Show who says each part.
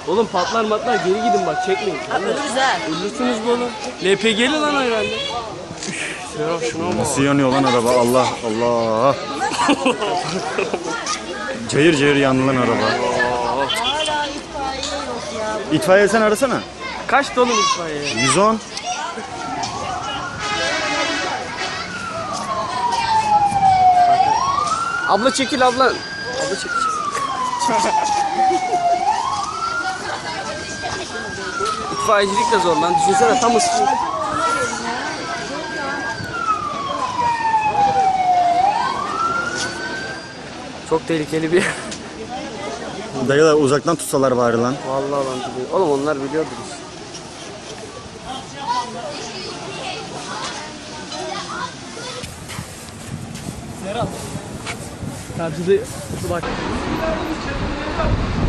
Speaker 1: Oğlum patlar matlar geri gidin bak çekmeyin.
Speaker 2: Ölürüz ha.
Speaker 1: Ölürsünüz bu oğlum. LPG'li lan herhalde. Serap şuna bak.
Speaker 3: Nasıl yanıyor lan araba? Allah Allah. Cayır cayır yandı lan araba.
Speaker 2: Hala itfaiye yok ya.
Speaker 3: İtfaiye sen arasana.
Speaker 1: Kaç dolu itfaiye?
Speaker 3: 110.
Speaker 1: Abla çekil abla. Abla çekil. İtfaiyecilik de zor lan. Düşünsene tam ısınıyor. Çok tehlikeli bir yer.
Speaker 3: Dayılar uzaktan tutsalar bari lan.
Speaker 1: Vallahi lan biliyor. Oğlum onlar biliyordur işte. Serap. Karşıda bak.